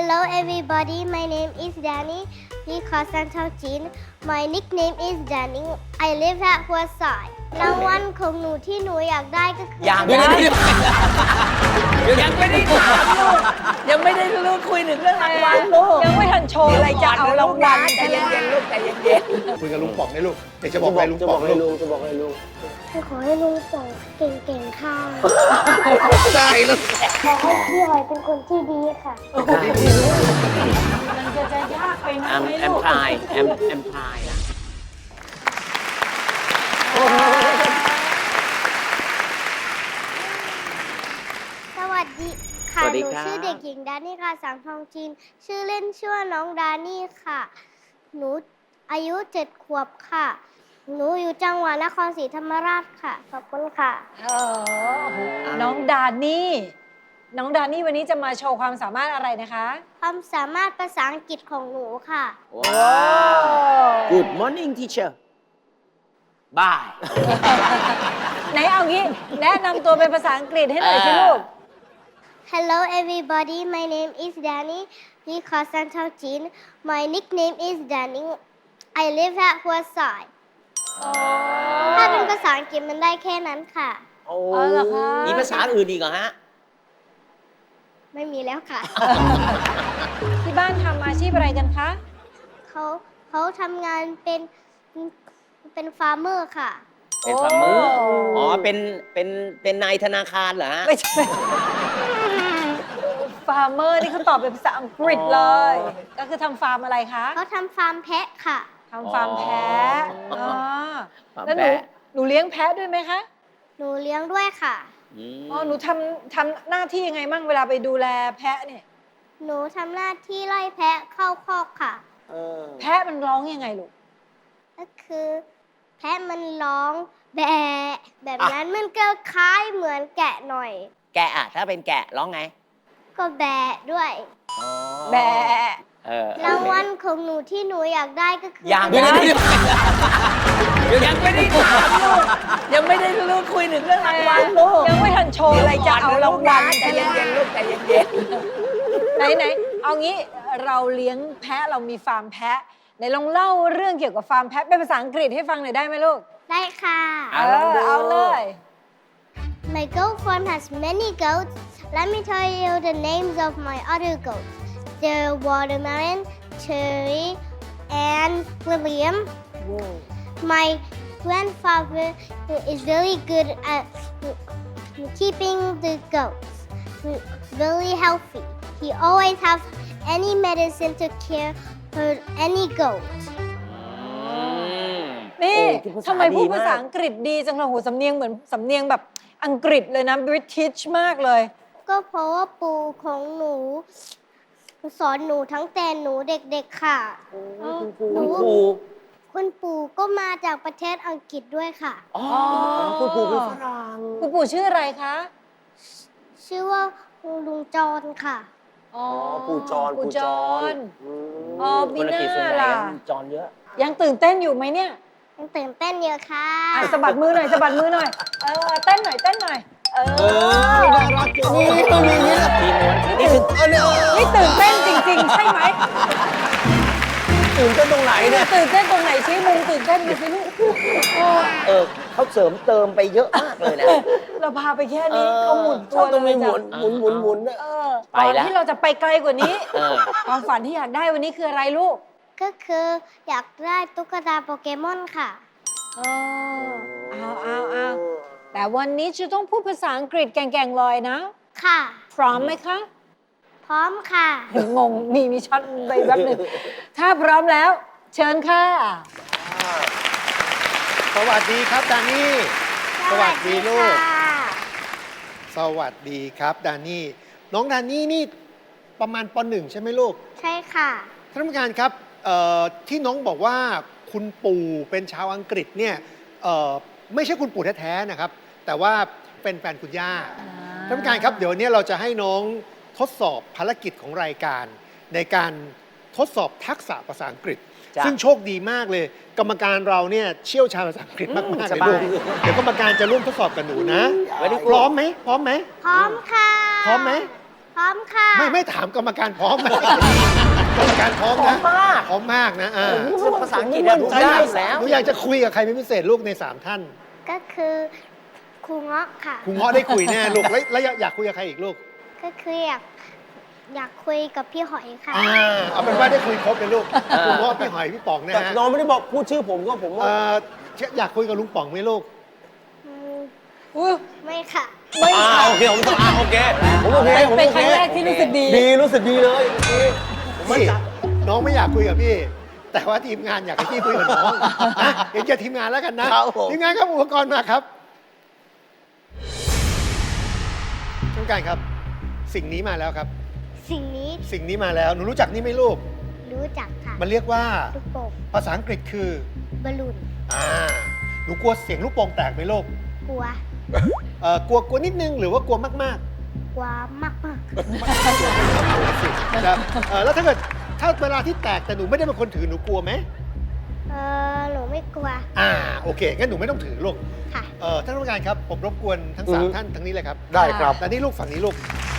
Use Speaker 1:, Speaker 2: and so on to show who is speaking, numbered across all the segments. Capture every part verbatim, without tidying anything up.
Speaker 1: Hello everybody, my name is Danny. We call Santa Jean. My nickname is Danny. I live at หัวสายรางวัลของหนูที่หนูอยากได้ก็คือ
Speaker 2: ยังไม่ได้ยังไม่ได้ถามลูกยังไม่ได้ลูกคุยถึงเรื่องรางวัลลูก
Speaker 3: ยังไม่ทันโชว์อะไรจะเอารางวัล
Speaker 2: ใจเย็นๆลูกใจเย็น
Speaker 4: คุยกับลุงป๋องได้ลูกเดี๋ยวจะบอกอะไรลุงป๋องลูก
Speaker 5: จะบอกให้ลุง
Speaker 1: คือขอให้ลุงป๋องเก่งๆค่ะ
Speaker 4: ได้ลูก
Speaker 1: ขอให้พี่หอยเป็นคนที่ดีค่ะ
Speaker 3: มันจะจะยากไปไหม
Speaker 2: แอมแอม
Speaker 3: ลูก
Speaker 2: พายแอมแอมพายนะ
Speaker 1: สวัสดีค่ะ
Speaker 2: สวัส
Speaker 1: ห
Speaker 2: ดี
Speaker 1: นู
Speaker 2: ครับ
Speaker 1: ชื่อเด็กหญิงดานี่ค่ะสังทองจีน ชื่อเล่นชื่อว่าน้องดานี่ค่ะ หนูอายุเจ็ดขวบค่ะ หนูอยู่จังหวัดนครศรีธรรมราชค่ะ ขอบคุณค่ะ
Speaker 3: เออน้องดานี่ น้องดานี่วันนี้จะมาโชว์ความสามารถอะไรนะคะ
Speaker 1: ความสามารถภาษาอังกฤษของหนูค่ะ
Speaker 2: ว้าว Good morning teacher Bye
Speaker 3: ไหนเอางี้ แนะนำตัวเป็นภาษาอังกฤษให้หน่อยสิลูก
Speaker 1: Hello everybody, my name is Danny. We call Santa Jean. My nickname is Danny. I live at หัวสายถ้าเป็นภาษาอังกฤษมันได้แค่นั้นค่ะ
Speaker 2: โอ้
Speaker 3: อ๋อเหรอคะ
Speaker 2: มีภาษาอื่นอีกเหรอฮะ
Speaker 1: ไม่มีแล้วค่ะ
Speaker 3: ที่บ้านทำอาชีพอะไรกันคะ
Speaker 1: เขาเขาทำงานเป็นเป็นฟาร์มเมอร์ค่ะ
Speaker 2: เป็นฟาร์มเมอร์
Speaker 3: โอ้
Speaker 2: อ๋อ เป็น เป็น เป็นนายธนาคารเหรอฮะ
Speaker 3: ไม่ใช่ ฟาร์มเมอร์นี่เขาตอบเป็นภาษาอังกฤษเลย ก็คือทำฟาร์มอะไรคะ
Speaker 1: เขาทำฟาร์มแพะค่ะ
Speaker 3: ทำฟาร์มแพะ
Speaker 2: อ๋อ
Speaker 3: อ๋อ
Speaker 2: ฟาร์ม
Speaker 3: แล้วหนู
Speaker 2: แพะ
Speaker 3: หนูเลี้ยงแพะด้วยไหมคะ
Speaker 1: หนูเลี้ยงด้วยค่ะ
Speaker 2: อืม
Speaker 3: อ๋อ หนูทำทำหน้าที่ยังไงมั่งเวลาไปดูแลแพะเนี่ย
Speaker 1: หนูทำหน้าที่ไล่แพะเข้าคอกค่ะ
Speaker 5: เออ
Speaker 3: แพะมันร้องยังไงลูก
Speaker 1: ก็คือ แพะมันร้องแบะแบบนั้นมันก็คล้ายเหมือนแกะหน่อย
Speaker 2: แกะอะถ้าเป็นแกะร้องไง
Speaker 1: ก็แบะด้วย
Speaker 2: อ๋อ
Speaker 3: แบะ
Speaker 2: เออ
Speaker 1: รางวัลของหนูที่หนูอยากได้ก็คือ
Speaker 2: ยังไม่ได้ยังไม่ได้ถามลูกยังไม่ได้ลูกคุยถึงเรื่องรางวัลลูก
Speaker 3: ยังไม่ทันโชว์อะไรจะเอารางวัล
Speaker 2: ใจเย็นๆลูกใจเย็น
Speaker 3: ไหนไหนเอางี้เราเลี้ยงแพะเรามีฟาร์มแพะไหนลองเล่าเรื่องเกี่ยวกับฟาร์มแพะเป็นภาษาอังกฤษให้ฟังหน่อยได้ไหมลูก
Speaker 1: ได้ค่ะ
Speaker 2: ๆอ่ะลองดู
Speaker 3: เอาเลย
Speaker 1: My goat farm has many goats. Let me tell you the names of my other goats. They're Watermelon, Cherry, and William. My grandfather is really good at keeping the goats really healthy. He always has any medicine to care for any goat.
Speaker 2: อืม
Speaker 3: นี่
Speaker 2: โอ้พูดภาษา
Speaker 3: ทำไมพูด
Speaker 2: ดีมาก
Speaker 3: ภาษาอังกฤษดีจังเลยโหสำเนียงเหมือนสำเนียงแบบอังกฤษเลยนะ British มากเลย
Speaker 1: ก็เพราะว่าปู่ของหนูสอนหนูทั้งแต่หนูเด็กๆค่ะ
Speaker 2: คุณครู
Speaker 1: คุณปู่ก็มาจากประเทศอังกฤษด้วยค่ะ
Speaker 2: อ๋อ
Speaker 5: คุณปู่เป็นฝรั่ง
Speaker 3: คุณปู่ชื่ออะไรคะ
Speaker 1: ชื่อว่าลุงจรค่ะ
Speaker 3: อ๋อ
Speaker 5: ปู่จร
Speaker 3: ปู่จร
Speaker 5: อืม
Speaker 3: อ๋อมี
Speaker 2: คน
Speaker 3: ห
Speaker 2: ละกี่ส่วน
Speaker 3: น้า
Speaker 2: ใหญ่
Speaker 3: ล่ะ
Speaker 2: จอนเยอะ
Speaker 3: ยังตื่นเต้นอยู่ไหมเนี่ย
Speaker 1: ยังตื่นเต้นเยอะค่ะ
Speaker 3: อ่ะสะบัดมือหน่อยสะบัดมือหน่อย เออเต้นหน่อยเต้นหน่อย เออ
Speaker 5: น่ารักจังนี่ต้องมีอย่างนี้แหละ
Speaker 2: ทีม้วนนี่คือ
Speaker 5: อันนี้
Speaker 3: นี่ตื่นเต้นจริง ๆ ใช่ไหม
Speaker 5: ตื่นเต้นตรงไหนเนี่ย
Speaker 3: ตื่นเต้นตรงไหนชี้มุมตื่นเต้นมาสิลูก
Speaker 2: เออเขาเสริมเติมไปเยอะมากเลยนะ
Speaker 3: เราพาไปแค่นี้เขาหมุน
Speaker 5: ช
Speaker 3: ตั
Speaker 5: อ
Speaker 3: ว
Speaker 5: บต้องมีหมุน
Speaker 3: เลยจ้ะ
Speaker 5: หมุนหมุนหมุนนะ
Speaker 3: เออ
Speaker 2: ไป
Speaker 3: ก่อน
Speaker 2: แล้ว
Speaker 3: ที่เราจะไปไกลกว่านี้
Speaker 2: เออ
Speaker 3: ความฝันที่อยากได้วันนี้คืออะไรลูก
Speaker 1: ก็คืออยากได้ตุ๊กตาโปเกมอนค่ะ
Speaker 3: เออเอาเอาเอาแต่วันนี้จะต้องพูดภาษาอังกฤษแก่งๆลอยนะ
Speaker 1: ค่ะ
Speaker 3: พร้อมไหมคะ
Speaker 1: พร้อมค่ะ
Speaker 3: งงมีมีช็อตไปแป๊บหนึงถ้าพร้อมแล้ว เชิญค่ะ
Speaker 4: สวัสดีครับดานี่ สวัสดีลูก
Speaker 1: ค่ะ
Speaker 4: สวัสดีครับดานี่ น้องดานี่นี่ประมาณปหนึ่งใช่ไหมลูก
Speaker 1: ใช่ค่ะ
Speaker 4: ท่านผู้การครับเอ่อที่น้องบอกว่าคุณปู่เป็นชาวอังกฤษเนี่ยเอ่อไม่ใช่คุณปู่แท้ๆนะครับ แต่ว่าเป็นแฟนคุณย่า ท่านผู้การครับเดี๋ยววันนี้เราจะให้น้องทดสอบภารกิจของรายการ ในการทดสอบทักษะภาษาอังกฤษ
Speaker 2: จ้ะ
Speaker 4: ซึ่งโชคดีมากเลย กรรมการเราเนี่ยเชี่ยวชาญภาษาอังกฤษมากๆ
Speaker 2: ส
Speaker 4: เลย
Speaker 2: บาย
Speaker 4: ลูกเดี๋ยวกรรมการจะร่วมทดสอบกับหนูนะ
Speaker 2: Very good
Speaker 4: พร้อมไหมพร้อมไหม
Speaker 1: พร้อมค่ะ
Speaker 4: พร้อมไหม
Speaker 1: พร้อมค่ะ
Speaker 4: ไม่ไม่ถามกรรมการพร้อมไหมกรรมการพร้อมนะ
Speaker 5: พร้อมมาก
Speaker 4: พร้อมมากนะอ่า
Speaker 5: ภาษาอังกฤษเนี่ยรู้ได้แล้ว
Speaker 4: หนูอยากจะคุยกับใครเป็นพิเศษลูกในสามท่าน
Speaker 1: ก็คือครูเงาะค่ะ
Speaker 4: ครูเงาะได้คุยแน่ลูกแล้วแล้วอยากคุยกับใครอีกลูก
Speaker 1: ก็คืออยากอยากคุยกับพี่หอยค่ะ
Speaker 4: อ่าเอาเป็นว่าได้คุยครบเลยลูกครูเงาะพี่หอยพี่ป๋องนะ
Speaker 5: แต่
Speaker 4: ฮะ
Speaker 5: น้องไม่ได้บอกพูดชื่อผมก็ผมว่า
Speaker 4: เอ่ออยากคุยกับลุงป๋องไหมลูก
Speaker 1: อืม
Speaker 3: อุ๊ย
Speaker 1: ไม่ค่ะ
Speaker 3: ไม่
Speaker 5: อ่า
Speaker 3: ค่ะ
Speaker 5: โอเคผมต้องอ่าโอเคผมโอเคผม
Speaker 3: เป็น
Speaker 5: โอ
Speaker 3: ค
Speaker 5: เค
Speaker 3: รั้งแรกที่รู้สึกดี
Speaker 5: ดีรู้สึกดีเลยโอเคผมมั่น
Speaker 4: พี่
Speaker 5: ใจ
Speaker 4: น้องไม่อยากคุยกับพี่ แต่ว่าทีมงานอยากให้พี่คุยกับน้องนะเห็นแก่ทีมงานแล้วกันนะครับ
Speaker 5: ผม
Speaker 4: ทีมงานครับอุปกรณ์มาครับท่านผู้การครับ สิ่งนี้มาแล้วครับ
Speaker 1: สิ่งนี้
Speaker 4: สิ่งนี้มาแล้วหนูรู้จักนี่ไหมลูก
Speaker 1: รู้จักค่ะ
Speaker 4: มันเรียกว่า
Speaker 1: ลูกโป่ง
Speaker 4: ภาษาอังกฤษคือบ
Speaker 1: อลลูน
Speaker 4: อ่าหนูกลัวเสียงลูกโป่งแตกไหมลูก
Speaker 1: กลัว
Speaker 4: เอ่อกลัวกลัวนิดนึงหรือว่ากลัวมาก
Speaker 1: กลัวมากมาก
Speaker 4: ๆนะครับเอ่อแล้วถ้าเกิดถ้าเวลาที่แตกแต่หนูไม่ได้เป็นคนถือหนูกลัวไหม
Speaker 1: ๆเออหนูไม่กลัว
Speaker 4: อ่าโอเคงั้นหนูไม่ต้องถือลูก
Speaker 1: ค่ะ
Speaker 4: เอ่อท่านผู้การครับผมรบกวนทั้งสาม
Speaker 5: อือฮึ
Speaker 4: ท่านทั้งนี้เลยครับ
Speaker 5: ได้ครับ
Speaker 4: แต่นี่ลูกฝั่งนี้ลูก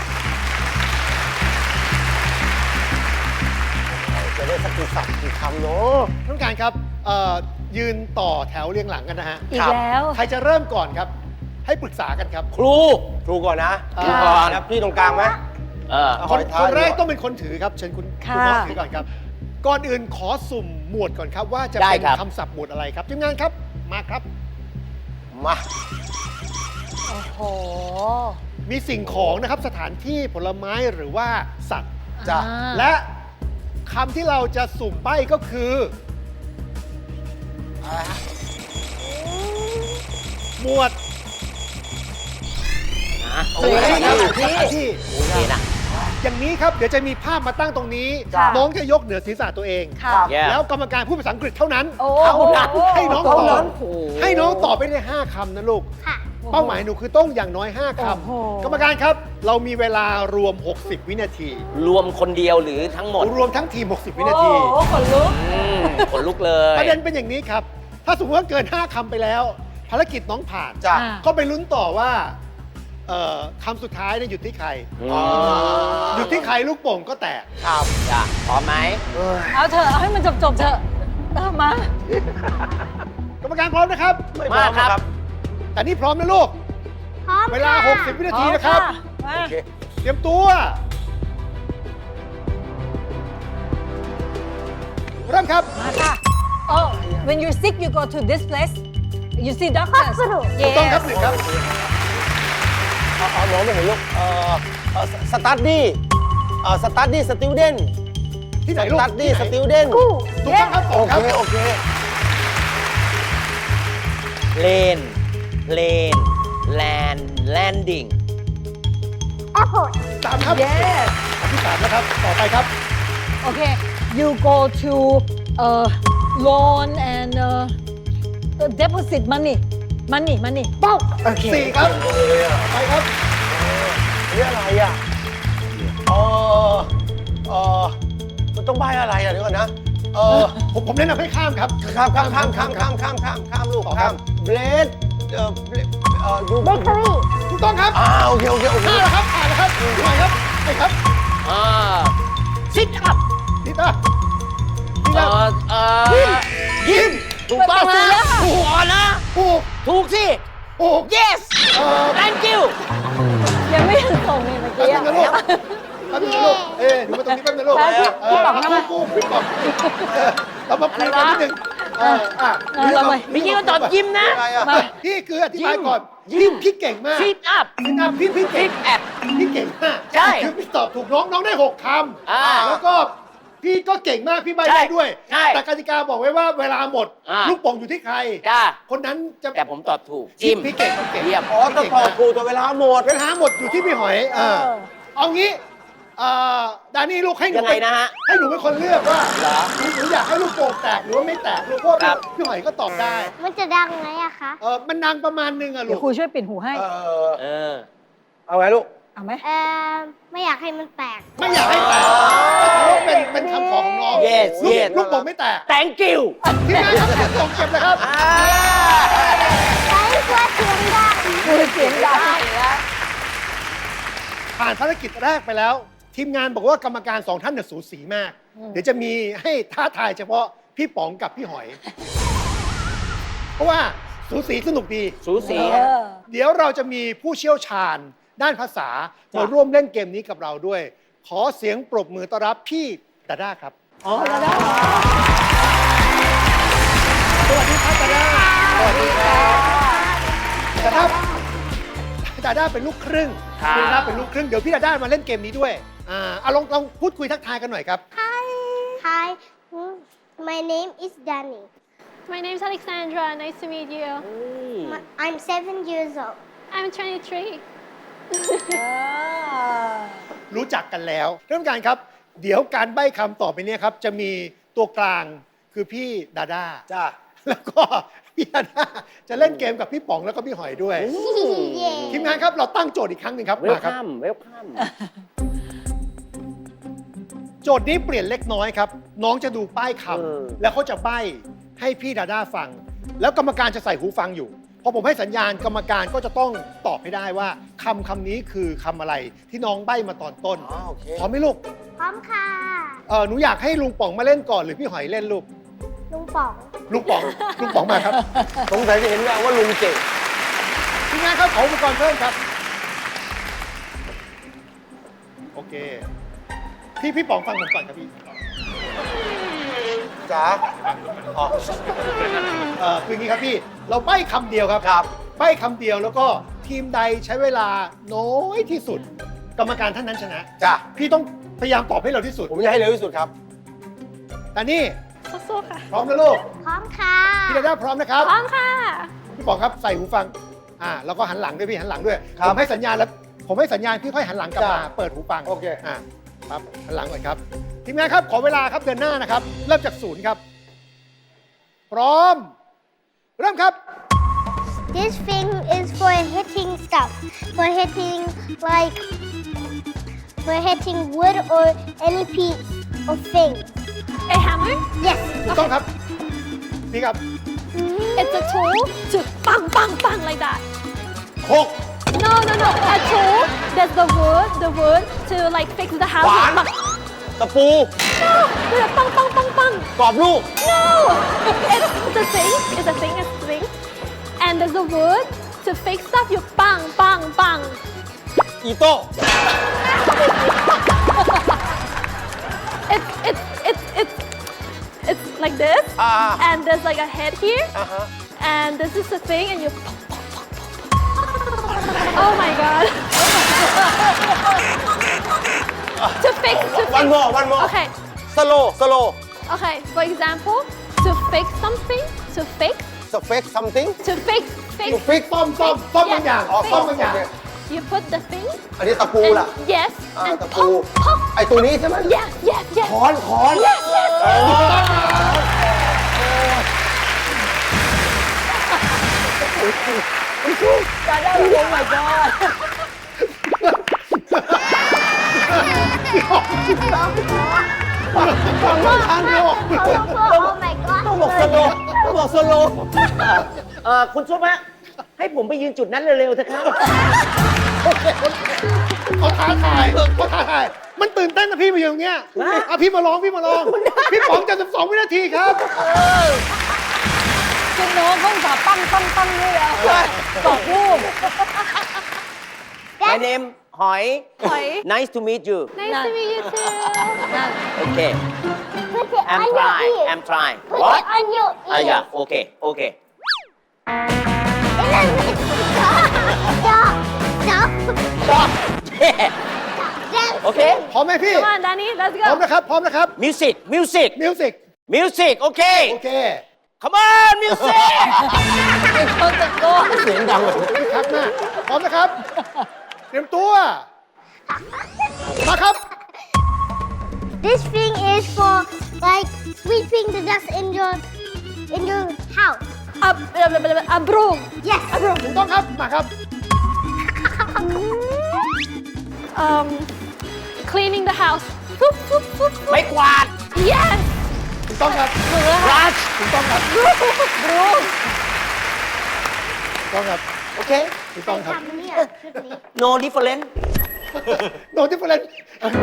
Speaker 5: จะได้สักกี่สับกี่คำเนาะ
Speaker 4: ท่านผู้การครับเอ่อยืนต่อแถวเรียงหลังกันนะฮะ
Speaker 3: อีกแล้ว
Speaker 4: ใครจะเริ่มก่อนครับ ให้ปรึกษากันครับ
Speaker 5: ครูครูก่อนนะ
Speaker 4: อ่า
Speaker 5: ครูก่อนนะพี่ตรงกลางไหม
Speaker 2: เออ
Speaker 5: เอา
Speaker 4: คน
Speaker 5: หอยทาก
Speaker 4: คนแรก
Speaker 5: ดีกว่า
Speaker 4: ต้องเป็นคนถือครับเชิญคุณ
Speaker 3: ค่ะ
Speaker 4: คุณพ่อถือก่อนครับ ก่อนอื่นขอสุ่มหมวดก่อนครับ ว่าจะ
Speaker 2: ได้
Speaker 4: เป็น
Speaker 2: ครับ
Speaker 4: คำศัพท์หมวดอะไรครับทีมงานครับมาครับ
Speaker 5: มา
Speaker 3: โอ้โห
Speaker 4: มีสิ่งของนะครับสถานที่ผลไม้หรือว่าสัตว์
Speaker 5: จ้ะ
Speaker 3: อ่า
Speaker 4: และคำที่เราจะสุ่มใบ้ก็คือหมวด
Speaker 2: อ่ะ
Speaker 4: สถานที่ครับ
Speaker 2: โอ
Speaker 4: สถานที่
Speaker 2: เคนะ
Speaker 4: อย่างนี้ครับ เดี๋ยวจะมีภาพมาตั้งตรงนี้
Speaker 3: ค่ะ
Speaker 4: น้องจะยกเหนือศีรษะตัวเอง
Speaker 3: ค่ะ
Speaker 2: แย่
Speaker 4: แล้วกรรมการพูดภาษาอังกฤษเท่านั้น
Speaker 3: โอ้
Speaker 4: เท่านั้นให้น้องต
Speaker 5: เท่า
Speaker 4: อ
Speaker 5: นั้
Speaker 4: บ
Speaker 5: น
Speaker 4: ให้น้องตอบไปได้ห้าคำนะลูก
Speaker 1: ค่ะ
Speaker 4: เป้าหมายหนูคือต้องอย่างน้อย ห้า ค
Speaker 3: โอ้โห
Speaker 4: ำ กรรมการครับ เรามีเวลารวม หกสิบ วินาที
Speaker 2: รวมคนเดียวหรือทั้งหมด
Speaker 4: รวมทั้งทีม หกสิบ วินาที
Speaker 3: โอ้โหขนลุก
Speaker 2: อืมขนลุกเลย
Speaker 4: ประเด็นเป็นอย่างนี้ครับ ถ้าสมมติว่าเกิน ห้า คำไปแล้ว ภารกิจน้องผ่าน
Speaker 5: จ้ะ
Speaker 3: อ่า
Speaker 4: ก็ไปลุ้นต่อว่าเอ่อคำสุดท้ายเนี่ยหยุดที่ใคร
Speaker 2: อืม
Speaker 5: อ๋อ
Speaker 4: หยุดที่ใครลูกโป่งก็แตก
Speaker 5: ครับ
Speaker 2: จ้ะพร้อมไหม
Speaker 5: เอ้ย
Speaker 3: เอาเถอะ เอาให้มันจบจบๆเถอะเอามา
Speaker 4: กรรมการพร้อมนะครับ
Speaker 5: ไม่พร้อมนะครับ
Speaker 4: แต่นี่พร้อมนะลูก
Speaker 1: พร้อม
Speaker 4: เวลา
Speaker 1: ค่ะ
Speaker 4: หกสิบ วินาทีนะครับ
Speaker 3: มา
Speaker 5: โอเค
Speaker 4: เตรียมตัว เริ่มครับ
Speaker 3: มาค่ะ Oh when you're sick you go to this place you see doctors
Speaker 1: Hospital
Speaker 4: ถูกต้องครับ
Speaker 3: Yes
Speaker 4: หนึ่งครับ
Speaker 5: เอาเอาน้องไม่เห็นลูกเอ่อเอ่อสตัดดี้เอ่อสตัดดี้สติวเดน
Speaker 4: ที่ไหน
Speaker 5: ส
Speaker 4: ลูก
Speaker 5: ตัดดี้ส
Speaker 4: ที่ไหน
Speaker 5: ติวเดน
Speaker 1: กู้
Speaker 4: ถูกต้องครับส
Speaker 5: โอ
Speaker 4: องค
Speaker 5: เครับ โอเค
Speaker 2: เลน เลน แลน แลนดิ้ง
Speaker 1: แอปเปิล
Speaker 4: สามครับ
Speaker 3: Yes
Speaker 4: อันที่สามนะครับ ต่อไปครับ
Speaker 3: Okay you go to uh loan and uh deposit money money money
Speaker 1: ปุ๊บ
Speaker 3: โอเค
Speaker 4: สี่ครับ
Speaker 5: เลยอ่ะ
Speaker 4: ไปครับ
Speaker 5: นี่อะไรอ่ะเออเออมันต้องใบอะไรอ่ะเดี๋ยวก่อนนะ เออ
Speaker 4: ผมผมแนะนำให้ข้ามครับ
Speaker 5: ข้ามข้ามข้ามข้ามข้ามข้ามข้ามข้ามลูก
Speaker 4: ต่อครั
Speaker 5: ข้า
Speaker 4: บ
Speaker 5: มเบลดเอ่อเบลดเอ่อยู
Speaker 1: เบเกอรี่
Speaker 4: ถูกต้องครับ
Speaker 5: อ่าโอเคโอเคโอเค
Speaker 4: ห้าแล้วครับผ่านแล้วครับไปครับไปครับ
Speaker 2: อ่าซิทอัพ
Speaker 4: นี่ตานี่
Speaker 2: เอ่
Speaker 4: ตา
Speaker 2: อเอ่อยิ้มถูกต้องนะถูกอ่อนนะ
Speaker 4: ถูก
Speaker 2: ถูกสิ
Speaker 4: ถูก
Speaker 2: yes
Speaker 4: เอ่อ
Speaker 2: thank you
Speaker 3: ยังไม่ถึงส่งเลยเมื่อ
Speaker 4: แป๊บ
Speaker 3: กี้
Speaker 4: นึง
Speaker 3: อะ
Speaker 4: นะลูกแป๊บนึงนะลูก เอ๊ะดูมาตรงนี้แป๊บนึงนะลูก
Speaker 3: แล้วพี่
Speaker 4: เ
Speaker 3: พี่บอกทำไม
Speaker 4: กู้กู้พี่บอกเออเรามาคุยกันนิดนึงเอออ่ะ
Speaker 3: เออเรามา
Speaker 2: เมื่อกี้ก็ตอบยิ้มนะ
Speaker 5: อะไรอ่ะ
Speaker 3: มา
Speaker 4: พี่คืออธิบายก่อน
Speaker 2: ยิ้
Speaker 4: พี่
Speaker 2: ม
Speaker 4: พี่เก่งมาก
Speaker 2: ซิทอัพ
Speaker 4: พี่นะพี่พี่เก่
Speaker 2: ซิ
Speaker 4: ง
Speaker 2: ทแอป
Speaker 4: พี่เก่งมาก
Speaker 2: ใช่
Speaker 4: คือพี่ตอบถูกน้องน้องได้หกค
Speaker 2: อ่า
Speaker 4: ำแล้วก็พี่ก็เก่งมากพี่ใบ
Speaker 2: ใช่
Speaker 4: ได้ด้วย
Speaker 2: ใช่
Speaker 4: แต่กติกาบอกไว้ว่าเวลาหมด
Speaker 2: อ่า
Speaker 4: ลูกโป่งอยู่ที่ใคร
Speaker 2: จ้า
Speaker 4: คนนั้นจะ
Speaker 2: แต่ผมตอบถูกจิ้ม
Speaker 4: พี่เก่งพี่เก่ง
Speaker 2: เยี่ยม
Speaker 5: อ๋อต้องตอบถูกแต่เวลาหมด
Speaker 4: เวลาหมดอยู่ที่พี่หอยเออ
Speaker 3: เออ
Speaker 4: เอางี้เอ่อดานี่ลูกให้หนู
Speaker 2: ยังไงนะฮะ
Speaker 4: ให้หนูเป็นคนเลือกว่า
Speaker 2: เหรอ
Speaker 4: หนูหนูอยากให้ลูกโป่งแตกหรือว่าไม่แตกลูกเพราะว่า
Speaker 2: ครับ
Speaker 4: พี่หอยก็ตอบได้
Speaker 1: มันจะดังไหมอะคะ
Speaker 4: เออมันดังประมาณนึงอะลู
Speaker 3: เดี๋ยว
Speaker 4: ก
Speaker 3: ครูช่วยปิดหูให้
Speaker 5: เออ
Speaker 2: เออ
Speaker 5: เอาไงลูก
Speaker 3: เอาไหม
Speaker 1: เออไม่อยากให้มันแตก
Speaker 4: ไม่อยากให้แตกเพราะว่าเป็นเป็นคำขอของน้อง
Speaker 2: Yes
Speaker 4: ลูก
Speaker 2: yes
Speaker 4: ลูกโป่งไม่แตก
Speaker 2: thank you
Speaker 4: ที่งานครับลูกโป่งเก็บเลยครับ
Speaker 2: อ่า
Speaker 1: ใช้เพื่อเสียงดัง
Speaker 3: ครูเสียงดัง
Speaker 4: ผ่านภารกิจแรกไปแล้ว ทีมงานบอกว่ากรรมการสองท่านเนี่ยสูสีมาก เดี๋ยวจะมีให้ท้าทายเฉพาะพี่ป๋องกับพี่หอย เพราะว่าสูสีสนุกดี
Speaker 2: สูสี
Speaker 3: เออ
Speaker 4: เดี๋ยวเราจะมีผู้เชี่ยวชาญด้านภาษามาร่วมเล่นเกมนี้กับเราด้วย ขอเสียงปรบมือต้อนรับพี่ดาด้าครับ
Speaker 2: อ๋อแล้วได้
Speaker 4: สวัสดีครับดาด้าสวัสดีครับดาด้าดาด้าเป็นลูกครึ่ง
Speaker 2: ครับ
Speaker 4: ดาด้าเป็นลูกครึ่ง เดี๋ยวพี่ดาด้ามาเล่นเกมนี้ด้วย อ่าเอาลองลองพูดคุยทักทายกันหน่อยครับ
Speaker 1: Hi. Hi. Hmm. My name is Danny.
Speaker 6: My name's Alexandra. Nice to meet you.
Speaker 1: My- I'm seven years old.
Speaker 6: I'm twenty-three.
Speaker 4: รู้จักกันแล้วท่านผู้การครับ เดี๋ยวการใบ้คำต่อไปเนี้ครับ จะมีตัวกลางคือพี่ดาด้า
Speaker 5: จ้า
Speaker 4: แล้วก็พี่ดาด้าจะเล่นเกมกับพี่ป๋องแล้วก็พี่หอยด้วย
Speaker 1: Yeah.
Speaker 4: ทีมงานครับเราตั้งโจทย์อีกครั้งหนึ่งครับ
Speaker 2: เวล
Speaker 4: มาครับ
Speaker 2: คัมเวลคัม
Speaker 4: โจทย์นี้เปลี่ยนเล็กน้อยครับ น้องจะดูป้ายค
Speaker 2: เออ
Speaker 4: ำแล้วเขาจะใบ้ให้พี่ดาด้าฟัง แล้วกรรมการจะใส่หูฟังอยู่พอผมให้สัญญาณกรรมการก็จะต้องตอบให้ได้ว่าคำคำนี้คือคำอะไรที่น้องใบ้มาตอนต้น
Speaker 5: อ๋อโอเค
Speaker 4: พร้อมไหมลูก
Speaker 1: พร้อมค่ะ
Speaker 4: เออหนูอยากให้ลุงป๋องมาเล่นก่อนหรือพี่หอยเล่นลูก
Speaker 1: ลุงป๋อง
Speaker 4: ลุงป๋องลุงป๋องมาครับ
Speaker 5: สงสัยจะเห็นแววว่าลุงเก่ง
Speaker 4: ทีมงานครับขออุปกรณ์เพิ่มครับ โอเค พี่พี่ป๋องฟังผมก่อนครับพี่
Speaker 5: จ๋าอ๋อ
Speaker 4: เออคืออย่างนี้ครับพี่ เราใบ้คำเดียวครับ
Speaker 5: ครับ
Speaker 4: ใบ้คำเดียวแล้วก็ทีมใดใช้เวลาน้อยที่สุด กรรมการท่านนั้นชนะ
Speaker 5: จ้า
Speaker 4: พี่ต้องพยายามตอบให้เร็วที่สุด
Speaker 5: ผมจะให้เร็วที่สุดครับ
Speaker 4: แต่นี่
Speaker 6: สู้ๆค่ะ
Speaker 4: พร้อมนะลูก
Speaker 1: พร้อมค่ะ
Speaker 4: พี่ดาด้าพร้อมนะครับ
Speaker 6: พร้อมค่ะ
Speaker 4: พี่ป๋องครับใส่หูฟัง อ่าแล้วก็หันหลังด้วยพี่หันหลังด้วย
Speaker 5: ครับ
Speaker 4: ผมให้สัญญาณแล้ว ผมให้สัญญาณพี่ค่อยหันหลังกลับมา
Speaker 5: จ้ะ
Speaker 4: เปิดหูฟัง
Speaker 5: โอเค
Speaker 4: อ่าครับหันหลังก่อนครับ ทีมงานครับขอเวลาครับเดินหน้านะครับ เริ่มจากศูนย์ครับ พร้อม เริ่มครับ
Speaker 1: This thing is for hitting stuff. For hitting like for hitting wood or any piece of thing.
Speaker 6: A hammer.
Speaker 1: Yes.
Speaker 4: ถูกต้องครับ นี่ครับ
Speaker 6: It's a tool to bang bang bang like that.
Speaker 5: หก
Speaker 6: No, no, no. A tool. That's the wood. The wood to like fix the house.
Speaker 5: ขวาน
Speaker 6: Bang.
Speaker 5: ตะปู
Speaker 6: No. With a bang bang bang bang.
Speaker 5: กรอบลูก
Speaker 6: No. It's a thing. It's a thing. It's a thing. And there's a wood to fix stuff. You bang bang bang.
Speaker 5: อีโต้
Speaker 6: It's it's it's it's it's like this.
Speaker 5: อ่า
Speaker 6: And there's like a head here.
Speaker 5: อ่าฮะ
Speaker 6: And this is the thing, and you. Oh my god. to fix, to
Speaker 5: one
Speaker 6: fix.
Speaker 5: more one more
Speaker 6: Okay,
Speaker 5: สโลสโล
Speaker 6: okay. For example, to fix something, to fix,
Speaker 5: สเฟก something
Speaker 6: to fix, fix.
Speaker 4: ฟิกซ่อมซ่อมซ่อมบางอย่าง
Speaker 5: อ๋อ
Speaker 4: ซ่อมบางอย่าง
Speaker 5: โอเค
Speaker 6: You put the thing.
Speaker 5: อันนี้ตะปู
Speaker 6: And
Speaker 5: ล่ะ
Speaker 6: yes.
Speaker 5: อ่า
Speaker 6: And
Speaker 5: ตะปู
Speaker 6: pop, pop.
Speaker 5: ไอตัวนี้ใช่ไหม
Speaker 6: Yes, yes, yes.
Speaker 5: ค้อนค้อน
Speaker 6: Yes, yes.
Speaker 5: อ๋อ
Speaker 3: ดาด้าโอ้ my god
Speaker 4: ฟังไม่ทันเลย
Speaker 1: Oh my god.
Speaker 2: ต้องบอกสโลว์ต้องบอกสโลว์เอ่อคุณซุปฮะให้ผมไปยืนจุดนั้นเร็วๆเถอะครับ
Speaker 4: เขาท้าทายเขาท้าทาย มันตื่นเต้นนะพี่มาอยู่ตรงเนี้ยอ่ะพี่มาลองพี่มาลอง พี่ป๋องจะสิบสองวินาทีครับ
Speaker 3: คุณน้องเขาจะปั้งปั้งปั้งด้วยแล้วกรอบรูป
Speaker 2: My name หอย
Speaker 6: Hoi.
Speaker 2: Nice to meet you
Speaker 6: Nice to meet you too.
Speaker 3: นั่น
Speaker 2: Okay
Speaker 1: Put it
Speaker 2: I'm
Speaker 1: on your
Speaker 2: trying
Speaker 1: ears.
Speaker 2: I'm trying
Speaker 1: Put
Speaker 2: What
Speaker 1: it on your
Speaker 2: อ่ะ
Speaker 1: ears.
Speaker 2: อย่าโอเคโอเค
Speaker 1: Stop. Stop.
Speaker 2: Stop
Speaker 1: Stop.
Speaker 2: โอเค
Speaker 4: พร้อมไหมพี่
Speaker 6: Come on, Danny. Let's
Speaker 4: พร้อม
Speaker 6: go.
Speaker 4: นะครับ พร้อมนะครับ
Speaker 2: Music Music
Speaker 4: มิวสิก
Speaker 2: Music โอเค
Speaker 4: โอเค
Speaker 2: Come on Music
Speaker 3: เป็นคนตะโกน
Speaker 5: เสียงดังเลย
Speaker 4: คึกคักมากพร้อมนะครับ เตรียมตัว มาครับ
Speaker 1: This thing is for like sweeping the dust in your in your house.
Speaker 6: A, a, a broom.
Speaker 1: Yes.
Speaker 4: ถูกต้องครับ มาครับ
Speaker 6: Um, cleaning the house. Boop, boop, boop, boop.
Speaker 2: ไม่กวาด
Speaker 6: Yes.
Speaker 4: ถูกต้องครับ
Speaker 2: Brush
Speaker 4: ถูกต้องครับ
Speaker 6: Broom.
Speaker 4: ถูกต้องครับ
Speaker 2: โอเค
Speaker 4: ถูกต้องครับ
Speaker 1: ทำเนี่ยชุดนี้
Speaker 2: No different
Speaker 4: โนดิเฟอเรน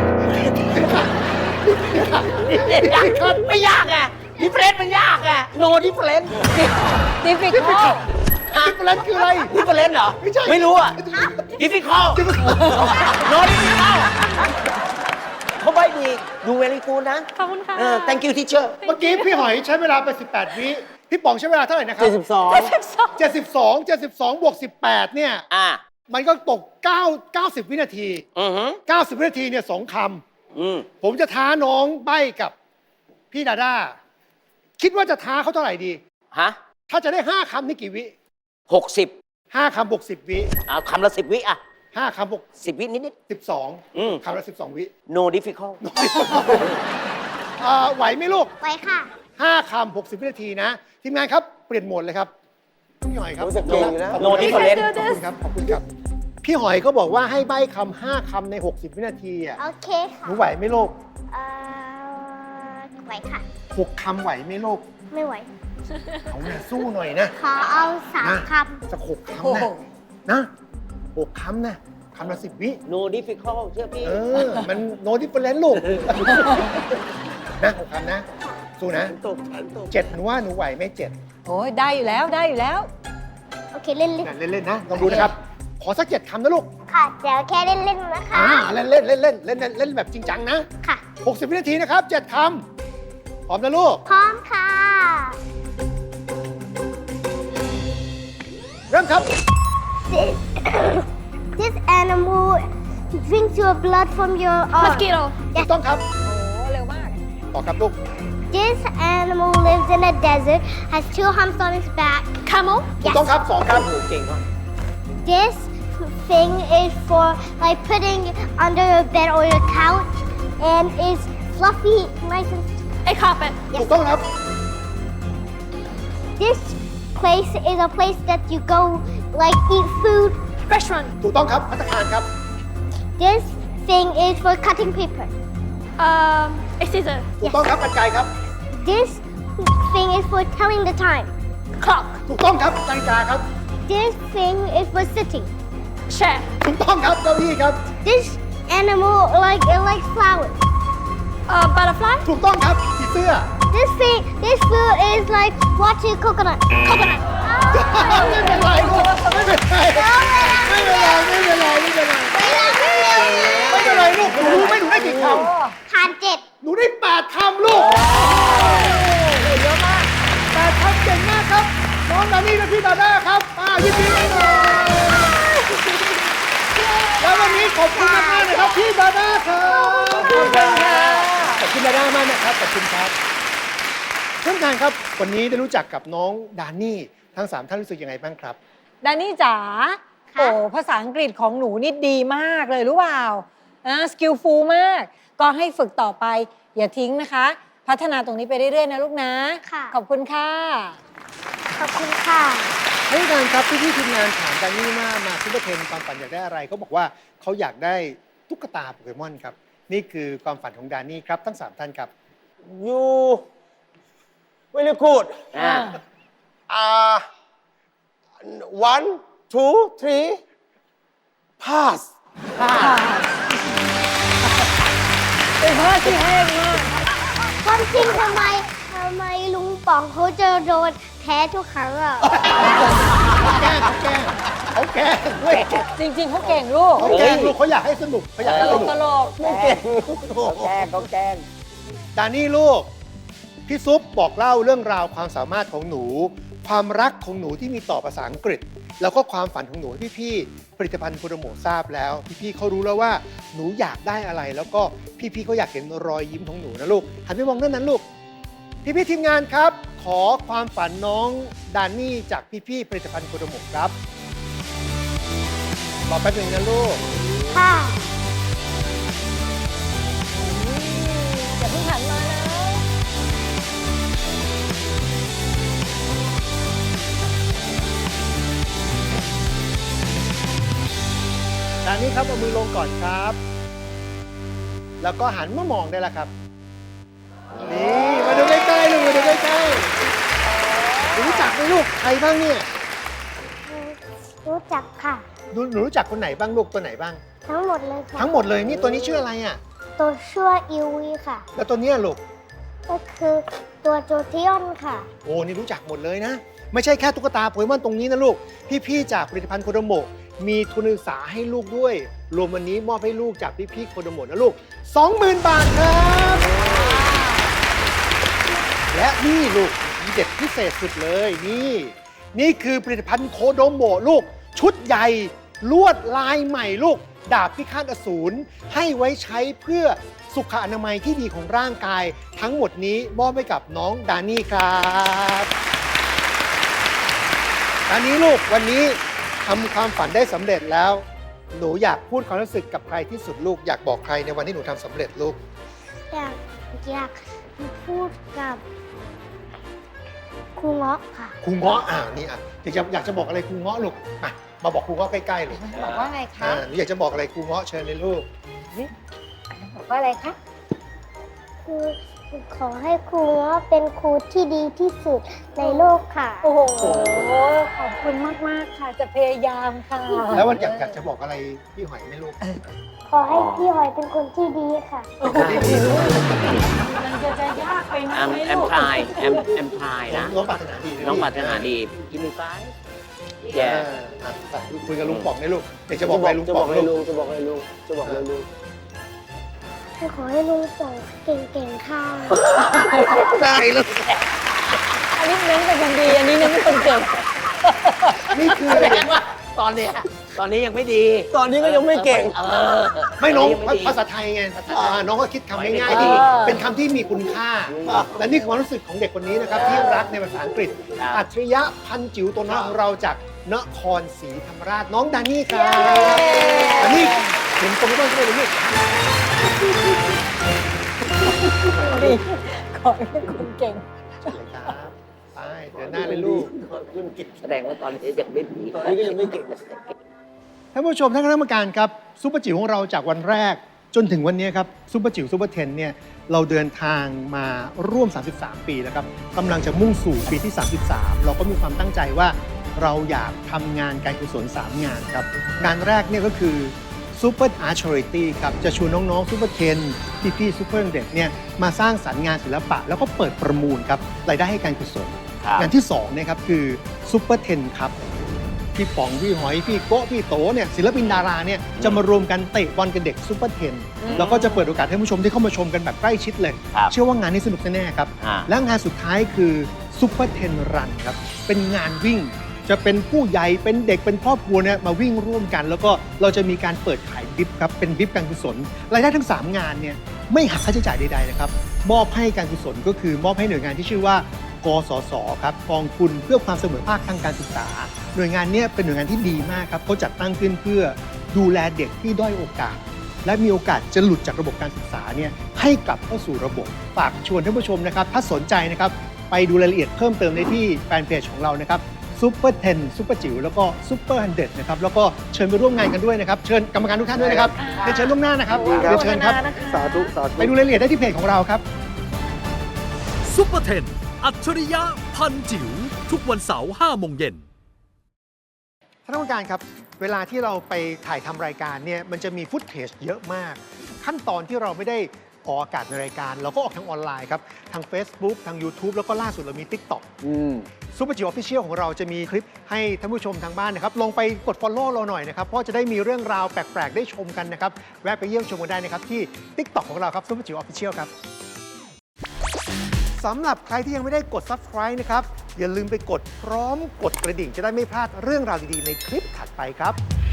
Speaker 2: ไม่ยากอ่ะดิเฟรนมันยากอ่ะโนดิเฟรน
Speaker 3: ดิฟิคอล
Speaker 4: ดิเฟอเรนคืออะไร
Speaker 2: ดิเฟรนเหรอ
Speaker 4: ไม่ใช่
Speaker 2: ไม่รู้อ่ะดิฟิคอลโนดิฟิคอลเขาใบดีดูเวลีกูนะ
Speaker 6: ขอบคุณค่ะ
Speaker 2: เออ thank you teacher
Speaker 4: เมื่อกี้พี่หอยใช้เวลาไป สิบแปด วิ พี่ป๋องใช้เวลาเท่าไหร่นะครับ
Speaker 2: เจ็ดสิบสอง
Speaker 4: เจ็ดสิบสอง เจ็ดสิบสองบวกสิบแปดเนี่ย
Speaker 2: อ่า
Speaker 4: มันก็ตกเก้า เก้าสิบ วินาที
Speaker 2: อือฮึ
Speaker 4: เก้าสิบ วินาทีเนี่ยสองค
Speaker 2: อืม
Speaker 4: ำ ผมจะท้าน้องใบ้กับพี่ดาด้า คิดว่าจะท้าเขาเท่าไหร่ดี
Speaker 2: ฮะ
Speaker 4: ถ้าจะได้ห้าคำนี่กี่วิ
Speaker 2: หกสิบ
Speaker 4: ห้าคำบวกสิบวิ
Speaker 2: เอาคำละสิบวิอ่ะ
Speaker 4: ห้าคำบวก
Speaker 2: สิบวินิดนิด
Speaker 4: สิบสอง
Speaker 2: อืม
Speaker 4: คำละสิบสองวิ
Speaker 2: ๆ no difficult
Speaker 4: อ่าไหวไหมลูก
Speaker 1: ไว้ค่ะ
Speaker 4: ห้าคำหกสิบวินาทีนะ ทีมงานครับ เปลี่ยนโหมดเลยครับ พี่หอยครับ
Speaker 5: รู้สึกเก่งอยู่นะ
Speaker 4: ขอบ
Speaker 2: no
Speaker 4: คุณครับ
Speaker 2: different
Speaker 4: ขอบคุณครับ ขอบคุณครับ พี่หอยก็บอกว่าให้ใบ้คำห้าคำใน หกสิบ วินาทีอ่ะ
Speaker 1: โอเคค่ะ
Speaker 4: หนูไหวไหมลูก
Speaker 1: เอ่อไหวค่ะ
Speaker 4: หกคำไหวไหมลูก
Speaker 1: ไม่ไหว
Speaker 4: เอาหน่าสู้หน่อยนะ
Speaker 1: ขอเอาสาม
Speaker 4: นะ
Speaker 1: ค
Speaker 4: สักหกคำนะนะหกคำนะคำละสิบวิ
Speaker 2: no difficult เชื่อพี่
Speaker 4: เออ มันโนดิเฟอเรนต์ลูก นะหกคำนะ สู้นะ
Speaker 2: ตกฉันตก
Speaker 4: เจ็ดหนูว่าหนูไหวไหมเจ็ด
Speaker 3: โอ้ยได้อยู่แล้วได้อยู่แล้ว
Speaker 1: ำโอเคเล่นเล่น
Speaker 4: นะเล่นๆนะ ลองดูนะครับ ขอสักเจ็ดคำนะลูก
Speaker 1: ค่ะเดี๋ยวแค่เล่นเล่นๆนะคะ
Speaker 4: อ่า เล่นเล่นเล่นเล่นเล่นเล่นเล่นแบบจริงจังนะ
Speaker 1: ค่ะ
Speaker 4: หกสิบ วินาทีนะครับเจ็ดคำพร้อมนะลูก
Speaker 1: พร้อมค่ะ
Speaker 4: เริ่มครับ
Speaker 1: This animal drinks your blood from your arm.
Speaker 6: Mosquito.
Speaker 4: ถูกต้องครับ
Speaker 3: โอ้เร็วมาก
Speaker 4: ต่อครับลูก
Speaker 1: This animal lives in a desert, has two humps on its back.
Speaker 6: Camel.
Speaker 4: ถูกต้องครับสองครับ
Speaker 2: โอ้เก่งมาก
Speaker 1: This thing is for like putting under your bed or your couch and is fluffy, nice and
Speaker 6: A carpet.
Speaker 4: ถูกต้องครับ
Speaker 1: this place is a place that you go like eat food.
Speaker 6: Restaurant.
Speaker 4: ถูกต้องครับภัตตาคารครับ
Speaker 1: This thing is for cutting paper.
Speaker 6: Um, a scissor.
Speaker 4: ถูกต้องครับกรรไกรครับ
Speaker 1: This thing is for telling the time.
Speaker 6: Clock.
Speaker 4: ถูกต้องครับนาฬิกาครับ
Speaker 1: This thing is for sitting.
Speaker 6: Chair.
Speaker 4: ถูกต้องครับเก้าอี้ครับ
Speaker 1: This animal like it likes flowers.
Speaker 6: Uh, butterfly.
Speaker 4: ถูกต้องครับผีเสื้อ
Speaker 1: This thing, this food is like watching coconut.
Speaker 6: Coconut.
Speaker 4: ไม่เป็นไรลูกไม่เป็นไรไม่เป็นไรไม่เป็นไรไม่เป็นไรไม่เป็นไรลูกหนูรู้ไหมหนูได้กี่ค
Speaker 1: ทานเจ็ด
Speaker 4: ำหนูได้แปดคำลูกเยอะมากแปดคำเก่งมากครับน้องดานี่และพี่ดาด้าครับอ่ายินดีด้วยแล้ววันนี้ขอบคุณมากๆนะครับพี่ดาด้าครับขอบคุณครับขอบคุณดาด้ามากนะครับขอบคุณครับท่านประธานครับวันนี้ได้รู้จักกับน้องดานี่ทั้งสามท่านรู้สึกยังไงบ้างครับ
Speaker 3: ดานี่จ๋า โอ้ภาษาอังกฤษของหนูนี่ดีมากเลยรู้เปล่านะสกิลฟูลมาก ก็ให้ฝึกต่อไป อย่าทิ้งนะคะ พัฒนาตรงนี้ไปเรื่อยๆนะลูกนะ
Speaker 1: ค่ะ
Speaker 3: ขอบคุณค่ะ
Speaker 1: ขอบคุณค่ะ
Speaker 4: ท่านประธานครับพี่ๆทีมงานถามดานี่ว่ามาซุปเปอร์เทนความฝันอยากได้อะไรเขาบอกว่าเขาอยากได้ตุ๊กตาโปเกมอนครับนี่คือความฝันของดานี่ครับทั้งสามท่านครับ
Speaker 5: you very good
Speaker 2: อ่า
Speaker 5: อ่า one two three pass
Speaker 3: เป็นพ่อที่แห้งมาก
Speaker 1: ความจริงทำไมทำไมลุงป๋องเขาจะโดนแพ้ทุกครั้งอ่ะ
Speaker 4: แกล้งเขาแกล้งเขาแกล้งเว้ย
Speaker 3: จริงๆเขาเก่งลูก
Speaker 4: เขาแกล้งลูกเขาอยากให้สนุกเขาอยาก
Speaker 3: ต
Speaker 4: ให้
Speaker 3: ล
Speaker 4: ส
Speaker 3: ก
Speaker 4: นุก
Speaker 3: ตลก
Speaker 5: ไม่เก่ง
Speaker 2: แกล้งก็แกล้ง
Speaker 4: ดานี่ลูกพี่ซุปบอกเล่าเรื่องราวความสามารถของหนู ความรักของหนูที่มีต่อภาษาอังกฤษ แล้วก็ความฝันของหนูให้พี่ๆผลิตภัณฑ์โปรโมททราบแล้ว พี่ๆเขารู้แล้วว่าหนูอยากได้อะไร แล้วก็พี่ๆเขาอยากเห็นรอยยิ้มของหนูนะลูกหันไปมองด้านนั้นลูก พี่ๆทีมงานครับ ขอความฝันน้องดานี่จากพี่ๆผลิตภัณฑ์โปรโมทครับรอแป๊บหนึงนะลูก
Speaker 1: ค่ะ
Speaker 3: อย่าเพิ่งหันมานะ
Speaker 4: ดานี่ครับเอามือลงก่อนครับ แล้วก็หันมามองได้แล้วครับ นี่มาดูใกล้ๆลูกมาดูใกล้ๆหนูรู้จักไหมลูกใครบ้างเนี่ย
Speaker 1: รู้จักค่ะ
Speaker 4: หนูหนูรู้จักคนไหนบ้างลูกตัวไหนบ้าง
Speaker 1: ทั้งหมดเลยค่ะ
Speaker 4: ทั้งหมดเลยนี่ตัวนี้ชื่ออะไรอ่ะ
Speaker 1: ตัวชั่วอิวีค่ะ
Speaker 4: แล้วตัวเนี้ยลูก
Speaker 1: ก็คือตัวโจเทียนค่ะ
Speaker 4: โอ้นี่รู้จักหมดเลยนะ ไม่ใช่แค่ตุ๊กตาโปเกมอนตรงนี้นะลูก พี่ๆจากผลิตภัณฑ์โคโดโมะมีทุนการศึกษาให้ลูกด้วย รวมวันนี้มอบให้ลูกจากพี่ๆโคโดโมะนะลูก สองหมื่น บาทครับ และนี่ลูกมีเด็ดพิเศษสุดเลยนี่ นี่คือผลิตภัณฑ์โคโดโมะลูก ชุดใหญ่ลวดลายใหม่ลูก ดาบพิฆาตอสูรให้ไว้ใช้เพื่อสุขอนามัยที่ดีของร่างกาย ทั้งหมดนี้มอบให้กับน้องดานี่ครับดานี่ลูกวันนี้ทำความฝันได้สำเร็จแล้ว หนูอยากพูดความรู้สึกกับใครที่สุดลูกอยากบอกใครในวันที่หนูทำสำเร็จลูก
Speaker 1: อยากอยากพูดกับครูเงาะค่ะ
Speaker 4: ครูเงาะอ่านี่อ่ะอยากจะอยากจะบอกอะไรครูเงาะลูกมามาบอกครูเงาะใกล้ๆลูก
Speaker 3: บอกว่าไงคะ
Speaker 4: อ่าหนูอยากจะบอกอะไรครูเงาะเชิญเลยลูก
Speaker 3: บอกว่าอะไรคะ
Speaker 1: คือขอให้ครูเงาะเป็นครูที่ดีที่สุดในโลกค่ะ
Speaker 3: โอ้โห ขอบคุณมาก ๆ ค่ะ จะพยายามค่ะ
Speaker 4: แล้ววันอยากอยากจะบอกอะไรพี่หอยไหมลูก
Speaker 1: ขอให้พี่หอยเป็นคนที่ดีค่ะ
Speaker 3: มันจะจะยากไปไหม
Speaker 2: แอมแอม
Speaker 3: ลูก
Speaker 2: พลายแอมแอมพลายนะ
Speaker 4: น้องปรารถนาดีะ
Speaker 2: น้องปรารถนาดีกินไฟ
Speaker 4: เอ
Speaker 2: แย่
Speaker 4: ออ่ะไปคุยกับลุงป๋องได้ลูกเดี๋ยวจะบอกอะไรลุง
Speaker 5: จะบ
Speaker 4: ป๋
Speaker 5: อ
Speaker 4: อก ง
Speaker 5: ให้
Speaker 4: ลู
Speaker 5: ลุ
Speaker 4: ก
Speaker 5: งจะบอกให้ลุงจะบอกให้ลุง
Speaker 1: ขอให้ลุงป๋องเก่งๆค่ะ
Speaker 4: ได้ลูก
Speaker 3: อันนี้เน้นเป็นคนดี อันนี้เน้นเป็นคนเก่ง
Speaker 4: นี่คือ
Speaker 2: แสดงว่าตอนเนี้ยตอนนี้ยังไม่ดี
Speaker 5: ตอนนี้ก็ยังไม่เก่ง
Speaker 2: เออ
Speaker 4: ไม่น้อง
Speaker 2: ตดี
Speaker 4: ภาษาไทยไงอ่าน้องก็คิดคำง่าย
Speaker 2: ดี
Speaker 4: ๆดีเป็นคำที่มีคุณค่า และนี่คือความรู้สึกของเด็กคนนี้นะครับที่รักในภาษาอังกฤษ
Speaker 2: ครับ
Speaker 4: อัจฉริยะพันจิ๋วตัวน้อยของเราจากนครศรีธรรมราชน้องดานี่ครับดานี่เห็นตรงนี้บ้างใช่ไหมลูก
Speaker 3: ดีขอให้เป็นคนเก่ง
Speaker 4: เชิญครับไปเดินหน้าเลยลูก
Speaker 2: แสดงว่าตอนนี้ยังไม่ดี
Speaker 5: ตอนนี้ก็ยังไม่เก่ง
Speaker 4: ท่านผู้ชมท่านคณะกรรมการครับซุปเปอร์จิ๋วของเราจากวันแรกจนถึงวันนี้ครับซุปเปอร์จิ๋วซุปเปอร์เทนเนี่ยเราเดินทางมาร่วม สามสิบสาม ปีแล้วครับกำลังจะมุ่งสู่ปีที่ สามสิบสาม เราก็มีความตั้งใจว่าเราอยากทำงานการกุศลสามงานครับงานแรกเนี่ยก็คือ Super Art Charity ครับจะชวนน้องๆซุปเปอร์เทนพี่ๆซุปเปอร์เด็กเนี่ยมาสร้างสรรค์งานศิลปะ แล้วก็เปิดประมูลครับรายได้ให้การกุศล
Speaker 2: ครับ
Speaker 4: งานที่สองเนี่ยครับคือซุปเปอร์เทนครับพี่ป๋องพี่หอยพี่โก้พี่โตเนี่ยศิลปินดาราเนี่ยจะมารวมกันเตะบอลกับเด็กซุปเปอร์เทนแล้วก็จะเปิดโอกาสให้ผู้ชมที่เข้ามาชมกันแบบใกล้ชิดเลย
Speaker 2: ครับ
Speaker 4: เชื่อว่างานนี้สนุกแน่ๆครับ
Speaker 2: อ่า
Speaker 4: และงานสุดท้ายคือซุปเปอร์เทนรันครับเป็นงานวิ่ง จะเป็นผู้ใหญ่เป็นเด็กเป็นครอบครัวเนี่ยมาวิ่งร่วมกัน แล้วก็เราจะมีการเปิดขายบิบครับเป็นบิบการกุศลรายได้ทั้งสามงานเนี่ยไม่หักค่าใช้จ่ายใดๆนะครับมอบให้การกุศลก็คือมอบให้หน่วยงานที่ชื่อว่ากสศครับกองทุนเพื่อความเสมอภาคทางการศึกษา หน่วยงานเนี้เป็นหน่วยงานที่ดีมากครับเขาจัดตั้งขึ้นเพื่อดูแลเด็กที่ด้อยโอกาส และมีโอกาสจะหลุดจากระบบการศึกษาเนี่ยให้กลับเข้าสู่ระบบฝากชวนท่านผู้ชมนะครับถ้าสนใจนะครับไปดูรายละเอียดเพิ่มเติมได้ที่แฟนเพจของเรานะครับซูเปอร์เทนซูเปอร์จิ๋วแล้วก็ซูเปอร์ฮันเดนะครับแล้วก็เชิญไปร่วมงานกันด้วยนะครับเชิญกรรมการทุกท่านด้วยนะครับเรียนเชิญล่วงหน้านะครับ
Speaker 5: ดีครับ
Speaker 4: เรียนเชิญครับ
Speaker 5: สาธุสาธุ
Speaker 4: ไปดูรายละเอียดได้ที่เพจของเราครับ
Speaker 7: ซุปเปอร์เทนอัจฉริยะพันจิ๋วทุกวันเสาร์ห้าโมงเย็น
Speaker 4: ท่านผู้การครับเวลาที่เราไปถ่ายทำรายการเนี่ยมันจะมีฟุตเทจเยอะมาก ขั้นตอนที่เราไม่ได้ออกอากาศในรายการ เราก็ออกทางออนไลน์ครับทาง Facebook ทาง YouTube แล้วก็ล่าสุดเรามี TikTok
Speaker 5: อืม
Speaker 4: ซูเปอร์จิ๋วออฟฟิเชียลของเราจะมีคลิปให้ท่านผู้ชมทางบ้านนะครับลองไปกด Follow เราหน่อยนะครับเพราะจะได้มีเรื่องราวแปลก ๆ ได้ชมกันนะครับแวะไปเยี่ยมชมกันได้นะครับที่ TikTok ของเราครับซูเปอร์จิ๋วออฟฟิเชียลครับสำหรับใครที่ยังไม่ได้กด Subscribe นะครับอย่าลืมไปกดพร้อมกดกระดิ่งจะได้ไม่พลาดเรื่องราวดีๆในคลิปถัดไปครับ